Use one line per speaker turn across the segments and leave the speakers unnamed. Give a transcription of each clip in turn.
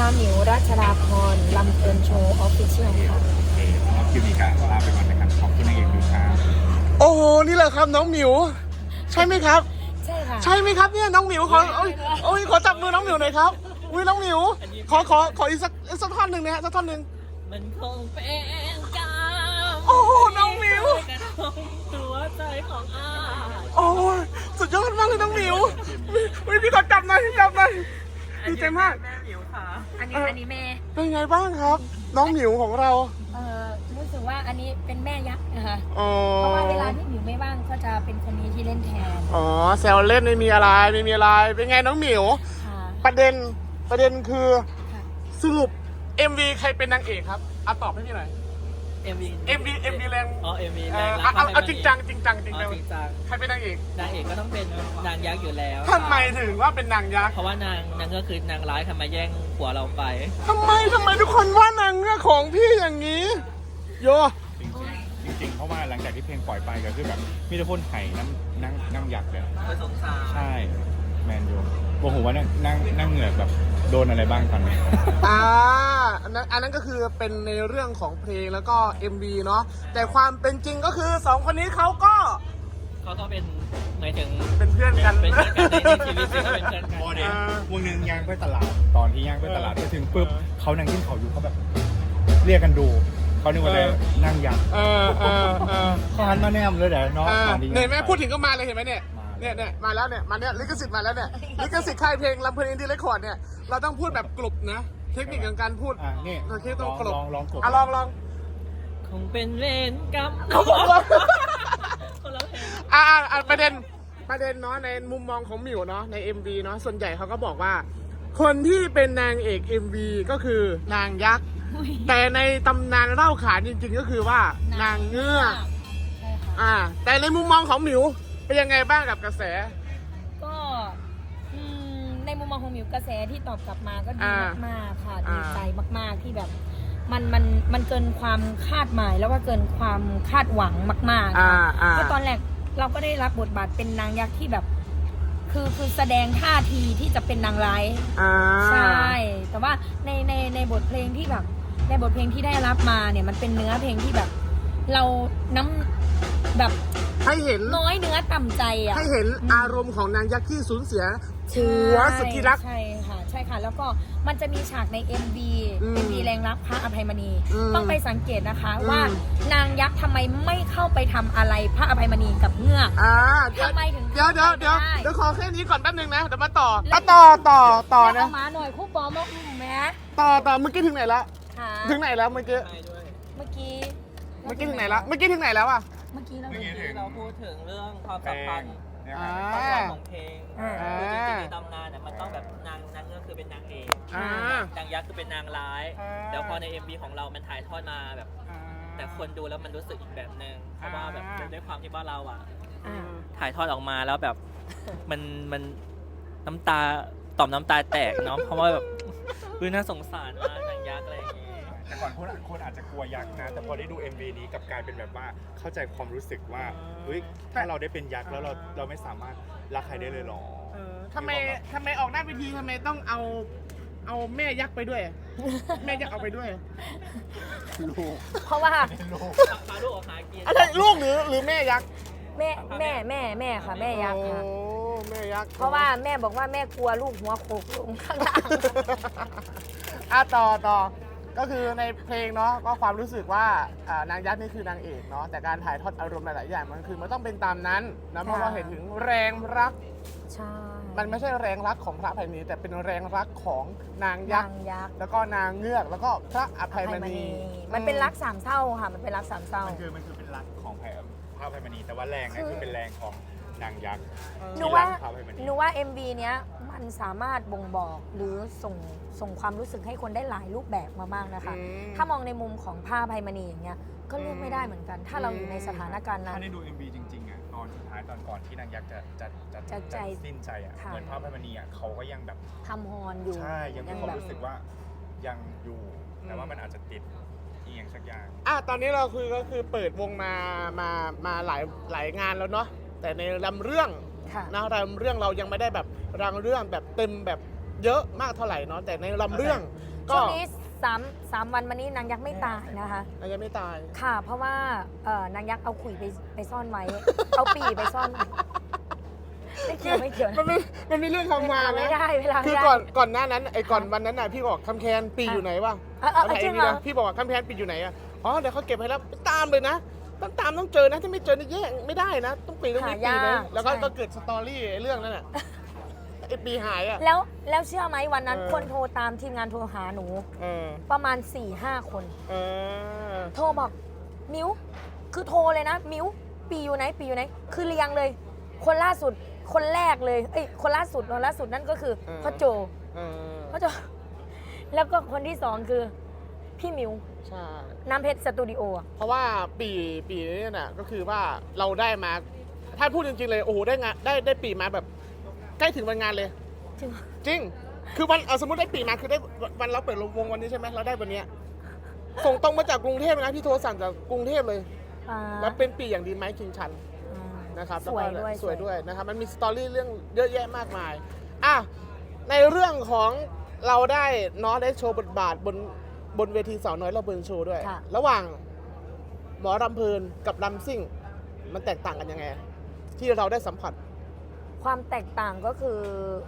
หมิวรัชดาพรลำเพลินโชว์ออฟฟิเชียลค่ะ
โอเคน้องคิวมีการลาไปก่อนนะครับขอบคุณนางเอกดูครับ
โอ้โหนี่แหละครับน้องหมิวใช่ไหมครับ
ใช่ค่ะ
ใช่ไหมครับเนี่ยน้องหมิวขอโอ้ยขอจับมือน้องหมิวหน่อยครับอุ้ยน้องหมิวขออีกสักท่อนหนึ่งนะฮะสักท่อนหนึ่ง
มันคงเป็นกรรม
โอ้โหน้องหมิว
กระทงตัวใจของอา
โอ้ยสุดยอดมากเลยน้องหมิวอุ้ยพี่ขอจับหน่อยดีใจมาก
แม่หมิวค่ะ
อันนี้แม่
เป็นไงบ้างครับ น้องหมิวของเรา
รู้สึกว่าอันนี้เป็นแม่ยักษ์นะคะ
อ๋อ
เพราะว่าเวลาที่หมิวไม่ว่างก็จะเป็นคนนี้ที่เล่นแทน
อ๋อแซวเล่นไม่มีอะไรเป็นไงน้องหมิว
ค่ะ
ประเด็นคือ
ค่ะ
สรุป MV ใครเป็นนางเอกครับตอบให้พี่หน่อย MV แรง
อ๋อ MV แรงรัก
เอาจริงจัง
อ๋อจริงจัง
ใครเป็นนางเอก
นางเอกก็ต้องเป็นนางยักษ์อยู่แล้ว
ทำไมถึงว่าเป็นนางยักษ์
เพราะว่านางก็คือนางร้ายทำไมาแย่งผัวเราไป
ทำไมทุกคนว่านางเงือกของพี่อย่างนี้ โย
จริงๆเพราะว่าหลังจากที่เพลงปล่อยไปก็คือแบบมีแต่คนไห่นั่งยักษ์เลย
ไปสงสาร
ใช่แมนยูบอกผมว่านั่งเหงือกแบบโดนอะไรบ้างตอนนี้
อันนั้นก็คือเป็นในเรื่องของเพลงแล้วก็ MV เนาะแต่ความเป็นจริงก็คือสองคนนี้เขาก็
เขาก็เป็นหมายถึง
เป็นเพื่อนกัน
เป็นเพื่อนกันในชีวิตจริงก็เป็นเพื่อนกัน
พอเดี๋ยววงหนึงย่างไปตลาดตอนที่ย่างไปตลาดไปถึงปุ๊บเขานั่งกินเขาวอยู่เขาแบบ เรียกกันดูเขานึกว่าอะไรนั่งยักษ์เขาหันมาแนมเลยเดี๋ยวน้องตอนที่
เนี่ยแม่พูดถึงก็มาเลยเห็นไหมเนี่ย
มา
เนี่ยมาแล้วเนี่ยลิขสิทธิ์มาแล้วเนี่ยลิขสิทธิ์ค่ายเพลงลำเพลินอินดี้เรคคอร์ดเนี่ยเราต้องพูดแบบกลบนะ เทคนิคของการพูด
นี่
โอเคต้องกลบ
ลองกด
ลอง
คงเป็นเวรกรรม
เขาบอกว่า
คนละเพลง
ประเด็นเนาะในมุมมองของหมิวเนาะใน MV เนาะส่วนใหญ่เขาก็บอกว่า คนที่เป็นนางเอก MV ก็คือนางยักษ์แต่ในตำนานเล่าขานจริงๆก็คือว่านางเงือก
ใช่ค่ะ
แต่ในมุมมองของหมิวเป็นยังไงบ้างกับกระแส
ก็ในมุมมองของหมิวกระแสที่ตอบกลับมาก็ดี
อ่าม
มากๆค่ะ
อ่า
ดีใจมากๆที่แบบมันเกินความคาดหมายแล้วก็เกินความคาดหวังมากๆค่ะเพราะตอนแรกเราก็ได้รับบทบาทเป็นนางยักษ์ที่แบบ คือแสดงท่าทีที่จะเป็นนางร้ายใช่แต่ว่าในบทเพลงที่แบบในบทเพลงที่ได้รับมาเนี่ยมันเป็นเนื้อเพลงที่แบบ เราแบบ
ให้เห็น
น้อยเนื้อต่ำใจอ่ะ
ให้เห็นอารมณ์ของนางยักษ์ที่สูญเสียผัวสุดที่รัก
ใช่ค่ะแล้วก็มันจะมีฉากใน MV
อืม
MV แรงรักพระอภัยมณี
อืม
ต้องไปสังเกตนะคะ
อืม
ว่านางยักษ์ทำไมไม่เข้าไปทำอะไรพระอภัยมณีกับเงือก ทำไมถึง
เดี๋ยว
ทำไม่ได้
เดี๋ยวขอแค่นี้ก่อนแป๊บนึงนะเดี๋ยวมาต่อต่อ
แล้ว
นะ
เอามาหน่อยคู่ปอมกแม่
ต่อเมื่อกี้ถึงไหนละ
ค่ะ
ถึงไหนแล้วเมื่อกี้
ใช่ด้วย
เมื่อกี้
ถึงไหนแล้วเมื่อกี้ถึงไหนแล้วอ่ะ
เมื่อกี้เรา
เมื่อกี้
ที่เราพูดถึงเรื่องความ
เพล
สัมพั
ง
นธ์
เนี่ย
อ่า
ความสัมพันธ์ของเพลง
อ่า
คือจริงๆในตำนานเนี่ยมันต้องแบบนางเงือกคือเป็นนางเอก
อ่าน
างยักษ์คือเป็นนางร้าย
อ่า
แล้วพอใน MV ของเรามันถ่ายทอดมาแบบ แต่คนดูแล้วมันรู้สึกอีกแบบนึงเพราะว่าแบบด้วยความที่ว่าเราอ่ะ
อ่า
ถ่ายทอดออกมาแล้วแบบ มันน้ำตาต่อมน้ำตาแตกเนาะเพราะว่าแบบน่าสงสารมากนางยักษ์อะไรอย่างงี้
แต่ก่อนคนอาจจะกลัวยักษ์นะ แต่พอได้ดู MV นี้กลับกลายเป็นแบบว่าเข้าใจความรู้สึกว่าเฮ้ยถ้าเราได้เป็นยักษ์แล้วเราไม่สามารถรักใครได้เลยหรอ
ทำไมออกหน้าเวทีทำไมต้องเอาแม่ยักษ์ไปด้วย แม่ยักษ์เอาไปด้วย
เพราะว่า
พาลูกออกหากิน
อะไรลูกหรือแม่ยักษ์
แม่ค่ะแม่ยักษ์ค่ะ
โอ้แม่ยักษ์
เพราะว่าแม่บอกว่าแม่กลัวลูกหัวโขกลงข้างล่าง
ต่อก็คือในเพลงเนาะก็ความรู้สึกว่านางยักษ์นี่คือนางเอกเนาะแต่การถ่ายทอดอารมณ์หลายๆอย่างมันต้องเป็นตามนั้นนะเพราะว่าเห็นถึงแรงรัก
ใช่
มันไม่ใช่แรงรักของพระอภัยมณีแต่เป็นแรงรักของนางยักษ์
นางยักษ์
แล้วก็นางเงือกแล้วก็พระอภัยมณี
มันเป็นรักสามเศร้าค่ะมันเป็นรักสามเศร้า
มันคือเป็นรักของพระอภัยมณีแต่ว่าแรงนั่นคือเป็นแรงของนางยักษ์
หนูว่า
ที่รักพระอภัยมณี
หนูว่า MV เนี้ยมันสามารถบ่งบอกหรือส่งความรู้สึกให้คนได้หลายรูปแบบมามากนะคะ ถ้ามองในมุมของผ้าภัยมณีอย่างเงี้ยก็เลือกไม่ได้เหมือนกัน ถ้าเราอยู่ในสถานการณ์นั้น
ถ้าได้ดู MV จริงๆอ่ะตอนสุดท้ายตอนก่อนที่นางยักษ์จะ
ใจ
สิ้นใจอ่ะ
ค่ะ
เหมือนพระอภัยมณีอ่ะเขาก็ยังแบบ
ทำฮอนอยู่
ใช่ยังมีความ
แบบ
รู้สึกว่ายังอยู่ แต่ว่ามันอาจจะติดอีกอย่างสักอย่าง
ตอนนี้เราก็คือเปิดวงมาหลายงานแล้วเนาะแต่ในลำเรื่อง
ค่ะ
นะลำเรื่องเรายังไม่ได้แบบรังเรื่องแบบเต็มแบบเยอะมากเท่าไหร่เนาะแต่ในลำเรื่องก็
ช่วงนี้3 วันมานี้นางยักษ์ไม่ตายนะคะ
ยังไม่ตาย
ค่ะ เพราะว่านางยักษ์เอาขุยไปซ่อนไว้ เอาปีไปซ่อนไว้ไม่เกี่ยว
มันมีเรื่องคำมา
ไม่
นะ
ได้เวลา
คือ
ไม่ได้
ก่อนหน้านั้นก่อนวันนั้นน่ะพี่บอกคำแคนปีอยู่ไหนวะ
จริงเหรอ
พี่บอกว่าคำแคนปีอยู่ไหนอ่ะอ๋อเดี๋ยวเขาเก็บให้แล้วไปตามเลยนะต้องเจอนะถ้าไม่เจอนี่แย่งไม่ได้นะต้องปีนะแล้วก็เกิดสตอรี่เรื่องนั้นน่ะไอ้ปีหายอ่ะ
แล้วเชื่อไหมวันนั้นคนโทรตามทีมงานโทรหาหนูประมาณ 4-5 คนโทรบอกมิวคือโทรเลยนะมิวปีอยู่ไหนคือเรียงเลย คนล่าสุดคนแรกเลยคนล่าสุดนั่นก็คือพ่อโจแล้วก็คนที่สองคือพี่มิว
ใช่
น้ำเพชรสตูดิโอ
เพราะว่าปีนี้น่ะก็คือว่าเราได้มาถ้าพูดจริงๆเลยโอ้โหได้งานได้ปีมาแบบใกล้ถึงวันงานเลย จริงคือวันสมมติได้ปีมาคือได้วันเราเปิดวงวันนี้ใช่ไหมเราได้วันเนี้ยส่งตรงมาจากกรุงเทพนะพี่โทรสั่งจากกรุงเทพเลยแล้วเป็นปีอย่างดีไหมคิงชันนะครับ
สวยด้วย
นะครับมันมีสตอรี่เรื่องเยอะแยะมากมายในเรื่องของเราได้ได้โชว์บทบาทบนเวทีสาวน้อยเราเบิร์นโชว์ด้วยระหว่างหมอรำเพลินกับรำซิ่งมันแตกต่างกันยังไงที่เราได้สัมผัส
ความแตกต่างก็คือ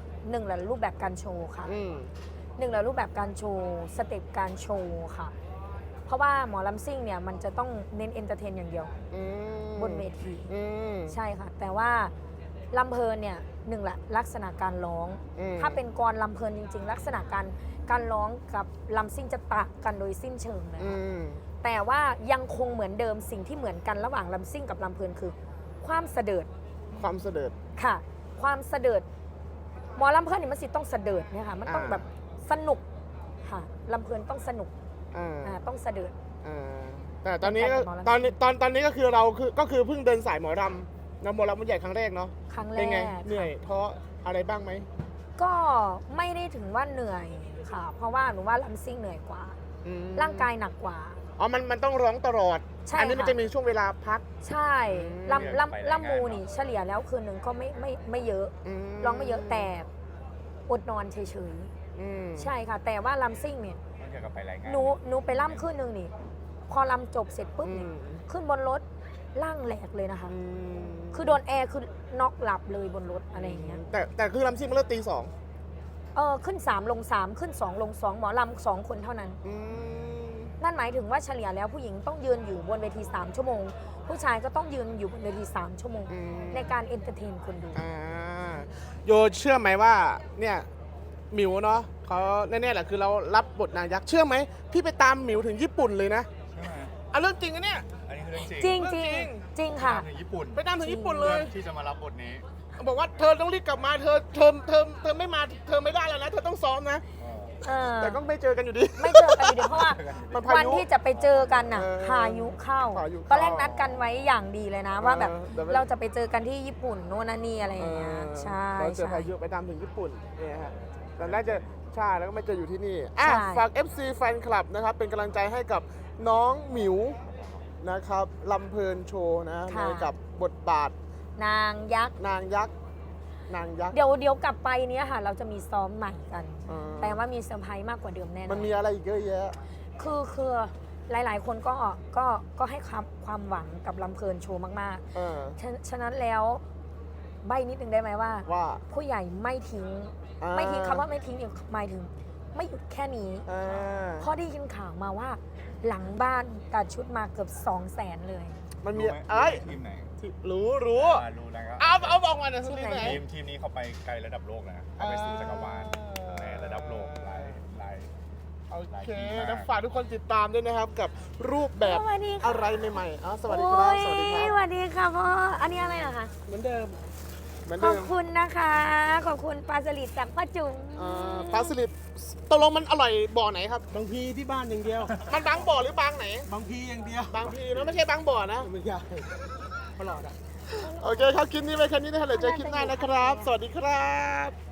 1แหละรูปแบบการโชว์ค่ะ1แหละรูปแบบการโชว์สเต็ปการโชว์ค่ะเพราะว่าหมอลำซิ่งเนี่ยมันจะต้องเน้นเอนเตอร์เทนอย่างเดียวบนเวทีใช่ค่ะแต่ว่าลำเพลินเนี่ย1แหละลักษณะการร้องถ้าเป็นกรลำเพลินจริงๆลักษณะการร้องกับลำซิ่งจะต่างกันโดยสิ้นเชิงเลยค่ะแต่ว่ายังคงเหมือนเดิมสิ่งที่เหมือนกันระหว่างลำซิ่งกับลำเพลินคือความเสดิร์ดค่ะความเสดิร์ดหมอลำเพลินเนี่ยมันสิต้องเสดิร์ดเนี่ยค่ะมันต้องแบบสนุกค่ะลำเพลินต้องสนุกต้องเสดิร์ด
แต่ตอนนี้ก็คือเราก็คือเพิ่งเดินสายหมอรำหมอรำมันใหญ่ครั้งแรกเนาะ
ครั้งแรก
เป็นไงเหนื่อยท้ออะไรบ้างไหม
ก็ไม่ได้ถึงว่าเหนื่อยค่ะเพราะว่าหนูว่าลำซิ่งเหนื่อยกว่าร่างกายหนักกว่า
มันต้องร้องตลอดอันนี้มันจะมีช่วงเวลาพัก
ใช่ลำมูนี่เฉลี่ยแล้วคืนหนึ่งก็ไม่เยอะร้องไม่เยอะแต่อดนอนเฉยๆใช่ค่ะแต่ว่าลำซิ่งเนี่ยหนูไปล่ำคืนหนึ่งนี่พอลำจบเสร็จปุ๊บนี่ขึ้นบนรถล่างแหลกเลยนะคะคือโดนแอร์คือน็อกหลับเลยบนรถอะไรอย่างเงี้ย
แต่คือลำซิ่งมันเริ่มตี 2
ขึ้น3ลง3ขึ้น2ลง2หมอลำ2คนเท่านั้นนั่นหมายถึงว่าเฉลี่ยแล้วผู้หญิงต้องยืนอยู่บนเวที3ชั่วโมงผู้ชายก็ต้องยืนอยู่บนเวที3ชั่วโมงในการเอนเตอร์เทนคนดู
โยเชื่อไหมว่าเนี่ยหมิวเนาะเขาแน่ๆแหละคือเรารับบทนางยักษ์เชื่อไหมพี่ไปตามหมิวถึงญี่ปุ่นเลยนะเรื่องจริงอะเนี่ย
อันนี้คือเรื่อง
จริง
จริง
ค่ะ
ถึงญี่ปุ่น
ไปตามถึงญี่ปุ่นเลย
ที่จะมารับบทนี้
บอกว่าเธอต้องรีบกลับมาเธอไม่มาเธอไม่ได้แล้วนะเธอต้องซ้อมนะแต่ก็ไม่เจอกันอยู่ดี
เพราะว่าวันที่จะไปเจอกันน่ะพายุเข้าตอนแรกนัดกันไว้อย่างดีเลยนะว่าแบบเราจะไปเจอกันที่ญี่ปุ่นโน่นนี่อะไรอย่างเงี้ยใช่
เจอพายุไปตามถึงญี่ปุ่นเนี่ยฮะตอนแรกจะใช่แล้วก็ไม่เจออยู่ที่นี่ฝาก FC แฟนคลับนะครับเป็นกำลังใจให้กับน้องหมิวนะครับลำเพลินโชว์นะในกับบทบาท
นางยักษ์เดี๋ยวกลับไปเนี้ยค่ะเราจะมีซ้อมใหม่กันแต่ว่ามีเซอร์ไพรส์มากกว่าเดิมแน่นอน
มันมีอะไรอีกเยอะแยะ
คือหลายๆคนก็ให้ความหวังกับลำเพลินโชว์มากๆฉะนั้นแล้วใบนิดนึงได้ไหมว่าผู้ใหญ่ไม่ทิ้งคำว่าไม่ทิ้งเนี่ยหมายถึงไม่หยุดแค่นี้เพราะได้ยินข่าวมาว่าหลังบ้านตัดชุดมาเกือบ200,000เลย
มันมี
ทีมไหน
รู้
นะครับ
เอาบอกมาหน่อย
ทีมนี้เขาไปไกลระดับโลกนะเขาไปสู่จักรวาลในระดับโลกหลาย
โอเคแล้วฝากทุกคนติดตามด้วยนะครับกับรูปแบบอะไรใหม่ๆสวัสดีครับ
สวัสดีค่ะพ่ออันนี้อะไรนะคะ
เหมือนเดิม
ขอบคุณนะคะขอบคุณปลาสลิดจากพ่อจุ๋ม
ปลาสลิดตกลงมันอร่อยบ่อไหนครับ
บางพีที่บ้านอย่างเดียว
มันบางบ่อหรือบางไหน
บางพีอย่างเดียว
บางพีนะไม่ใช่บางบ่อนะ
ไม่ใช่ตลอด
โอเคครับคลิปนี้ไปแค่นี้นะครับเดี๋ยวเจอคลิปหน้านะครับสวัสดีครับ